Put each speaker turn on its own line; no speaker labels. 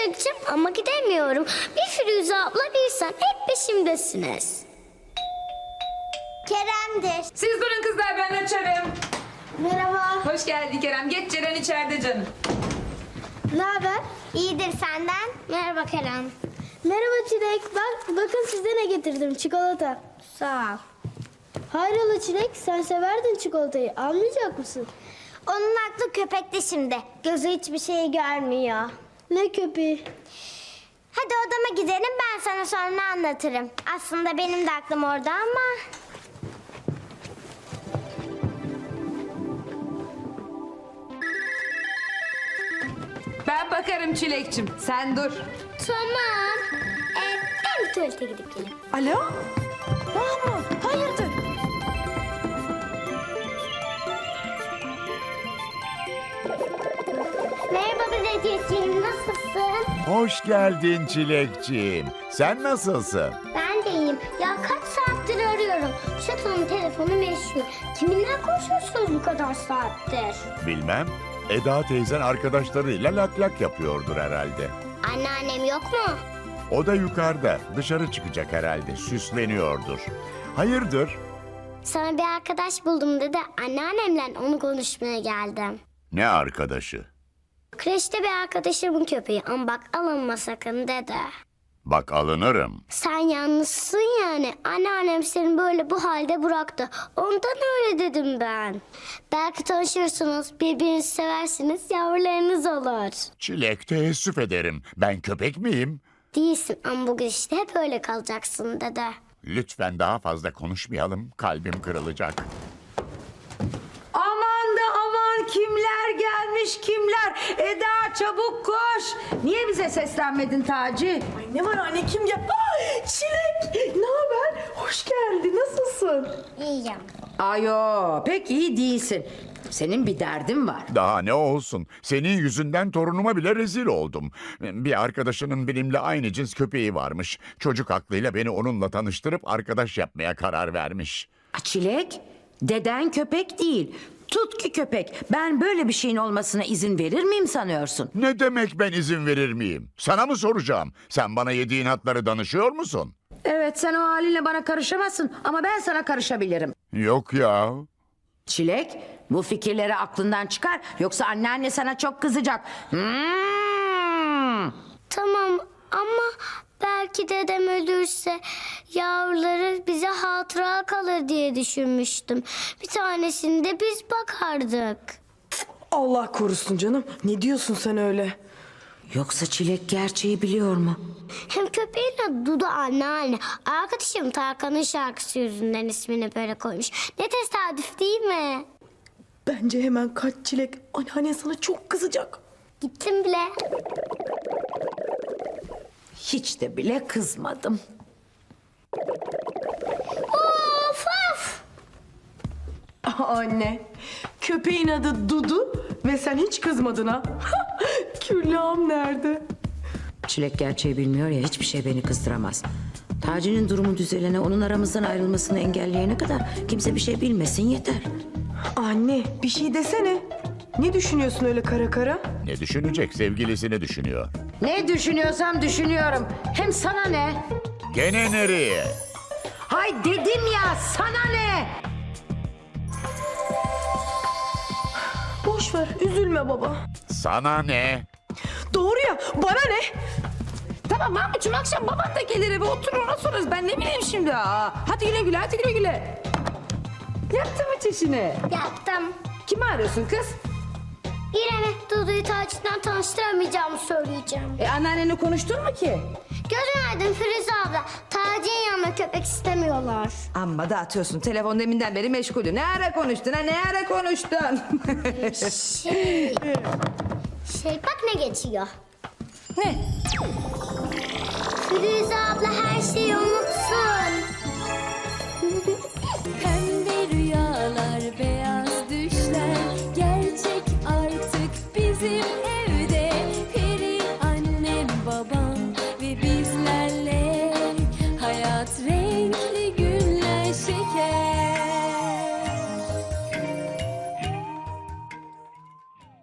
Çilek'cim ama gidemiyorum. Bir Firuze abla bir sen hep peşimdesiniz. Kerem'dir.
Siz durun kızlar, ben açarım.
Merhaba.
Hoş geldin Kerem. Geç, Ceren içeride canım.
Ne haber? İyidir senden. Merhaba Kerem. Merhaba Çilek. Bakın size ne getirdim. Çikolata. Sağ ol.
Hayrola Çilek, sen severdin çikolatayı. Almayacak mısın?
Onun aklı köpekte şimdi. Gözü hiçbir şeyi görmüyor.
Ne köpeği?
Hadi odama gidelim, ben sana sonra anlatırım. Aslında benim de aklım orada ama...
Ben bakarım Çilek'cim. Sen dur.
Tamam. Ben bir tuvalete gidip geleyim.
Alo? Mahmut, hayırdır?
Merhaba dedeciğim, nasılsın?
Hoş geldin Çilekciğim. Sen nasılsın?
Ben de iyiyim. Ya kaç saattir arıyorum. Şatonun telefonu meşhur. Kiminle konuşuyorsunuz bu kadar saattir?
Bilmem. Eda teyzen arkadaşlarıyla lak lak yapıyordur herhalde.
Anneannem yok mu?
O da yukarıda. Dışarı çıkacak herhalde. Süsleniyordur. Hayırdır?
Sana bir arkadaş buldum dedi. Anneannemle onu konuşmaya geldim.
Ne arkadaşı?
Kreşte bir arkadaşımın köpeği ama bak alınma sakın dedi.
Bak alınırım.
Sen yalnızsın yani. Anneannem seni böyle bu halde bıraktı. Ondan öyle dedim ben. Belki tanışırsınız, birbirinizi seversiniz, yavrularınız olur.
Çilek teessüf ederim. Ben köpek miyim?
Değilsin ama bugün işte hep öyle kalacaksın dedi.
Lütfen daha fazla konuşmayalım. Kalbim kırılacak.
Aman da aman, kimler gelmiş kimler? Eda çabuk koş. Niye bize seslenmedin Taci?
Ay ne var anne, kim ya? Aa, Çilek, ne haber? Hoş geldin, nasılsın?
İyiyim.
Ayo, pek iyi değilsin. Senin bir derdin var.
Daha ne olsun? Senin yüzünden torunuma bile rezil oldum. Bir arkadaşının benimle aynı cins köpeği varmış. Çocuk aklıyla beni onunla tanıştırıp arkadaş yapmaya karar vermiş.
Çilek, deden köpek değil. Tutki köpek. Ben böyle bir şeyin olmasına izin verir miyim sanıyorsun?
Ne demek ben izin verir miyim? Sana mı soracağım? Sen bana yediğin hatları danışıyor musun?
Evet, sen o halinle bana karışamazsın ama ben sana karışabilirim.
Yok ya.
Çilek, bu fikirleri aklından çıkar yoksa anneanne sana çok kızacak.
Tamam ama belki dedem ölürse yavruları bize hatıra kalır diye düşünmüştüm. Bir tanesini de biz bakardık.
Allah korusun canım. Ne diyorsun sen öyle?
Yoksa Çilek gerçeği biliyor mu?
Hem köpeğin adı Dudu anneanne. Arkadaşım Tarkan'ın şarkısı yüzünden ismini böyle koymuş. Ne tesadüf değil mi?
Bence hemen kaç Çilek. Anneannen sana çok kızacak.
Gittim bile.
Hiç de bile kızmadım.
Of of!
Anne, köpeğin adı Dudu ve sen hiç kızmadın ha. Küllağım nerede?
Çilek gerçeği bilmiyor ya, hiçbir şey beni kızdıramaz. Taci'nin durumu düzelene, onun aramızdan ayrılmasını engelleyene kadar kimse bir şey bilmesin yeter.
Anne, bir şey desene. Ne düşünüyorsun öyle kara kara?
Ne düşünecek? Sevgilisini düşünüyor.
Ne düşünüyorsam düşünüyorum. Hem sana ne?
Gene nereye?
Hay dedim ya, sana ne?
Boş ver, üzülme baba.
Sana ne?
Doğru ya, bana ne?
Tamam Mahmut'cum, akşam baban da gelir eve, oturur ona sorarız. Ben ne bileyim şimdi. Hadi güle güle, hadi güle güle. Yaptın mı çişini?
Yaptım.
Kimi arıyorsun kız?
İrem'e Dudu'yu Taç'tan tanıştıramayacağımı söyleyeceğim.
Anneannenle konuştun mu ki?
Gözün aydın Firuze abla. Taci'nin yanına köpek istemiyorlar.
Amma da atıyorsun. Telefon deminden beri meşgulü. Ne ara konuştun ha? Ne ara konuştun?
Bak ne geçiyor.
Ne?
Firuze abla her şeyi unutsun.
Pembe rüyalar, beyaz düşler gerçek artık bizim